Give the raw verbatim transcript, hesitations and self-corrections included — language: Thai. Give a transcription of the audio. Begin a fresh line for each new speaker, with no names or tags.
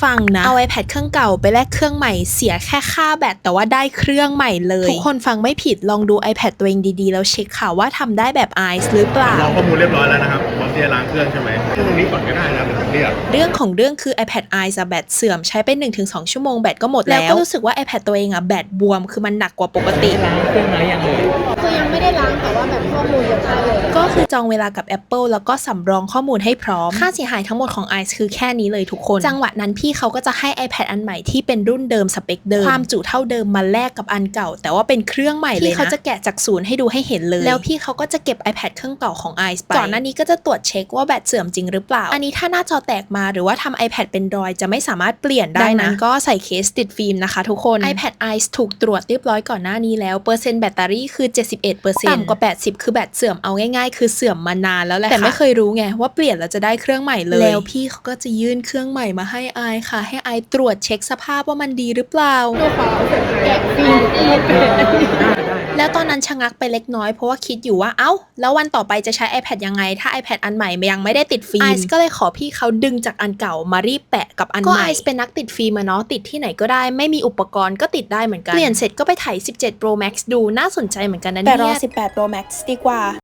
ฟังนะเอา iPad เครื่องเก่าไปแลกเครื่องใหม่เสียแค่ค่าแบตแต่ว่าได้เครื่องใหม่เลยทุกคนฟังไม่ผิดลองดู iPad ตัวเองดีๆแล้วเช็คค่ะว่าทำได้แบบ ไอ เอส หรือเปล่า
ลองข้อมูลเรียบร้อยแล้วนะครับพร้อมที่จะล้างเครื่องใช่ไหมตรงนี้ก่อนก็ได้นะผมเรียก
เรื่องของเรื่องคือ iPad ไอ เอส แบตเสื่อมใช้ไป หนึ่งถึงสอง ชั่วโมงแบตก็หมดแล้วก็รู้สึกว่า iPad ตัวเองอะแบตบวมคือมันหนักกว่าปกติ
ล้างเครื่องแล้วยังเลย
คือยังไม่ได้ล้างแต่ว่าแบบข้อมูลยังได้เลย
ก็คือจองเวลากับ Apple แล้วก็สำรองข้อมูลให้พร้อมค่าเสียหายทั้งหมดของ ไอ เอส คือแค่นี้เลยทุกคนจังหวะนั้นพี่เขาก็จะให้ iPad อันใหม่ที่เป็นรุ่นเดิมสเปคเดิมความจุเท่าเดิมมาแลกกับอันเก่าแต่ว่าเป็นเครื่องใหม่เลยนะพี่เขาจะแกะจากศูนย์ให้ดูให้เห็นเลยแล้วพี่เขาก็จะเก็บ iPad เครื่องเก่าของ ไอ เอส ไปก่อนหน้านี้ก็จะตรวจเช็คว่าแบตเสื่อมจริงหรือเปล่าอันนี้ถ้าหน้าจอแตกมาหรือว่าทำ iPad เป็นรอยจะไม่สามารถเปลี่ยนได้นะดังนั้นก็ใส่เคสติดฟิล์มนะคะทุกคน iPad ไอ เอส ถูกตรวจเรียบร้อยก่อนหน้านี้แล้วเปอร์เซ็นต์แบตเตอรี่คือ เจ็ดสิบเอ็ดเปอร์เซ็นต์ ต่ำกว่าแปดสิบคือแบตเสื่อมเอาง่ายๆคือเสื่อมมานานแล้วแหละแต่ไม่เคยรู้ไงว่าเปลี่ยนแล้วจะได้เครื่องใหม่เลยแล้วพี่เขาก็จะยื่นเครื่องใหม่มาให้ไอค่ะให้ไอตรวจเช็คสภาพว่ามันดีหรือเปล่า
แกะฟิล์ม
แล้วตอนนั้นชะงักไปเล็กน้อยเพราะว่าคิดอยู่ว่าเอ้าแล้ววันต่อไปจะใช้ iPad ยังไงถ้า iPad อันใหม่ยังไม่ได้ติดฟิล์มไอซ์ก็เลยขอพี่เขาดึงจากอันเก่ามารีบแปะกับอันใหม่ก็ไอซ์เป็นนักติดฟิล์มอะเนาะติดที่ไหนก็ได้ไม่มีอุปกรณ์ก็ติดได้เหมือนกันเปลี่ยนเสร็จก็ไปถ่ายสิบเจ็ด Pro Max ดูน่าสนใจเหมือนกันนะเนี่ยแต่รอสิบแปด Pro Max ดีกว่า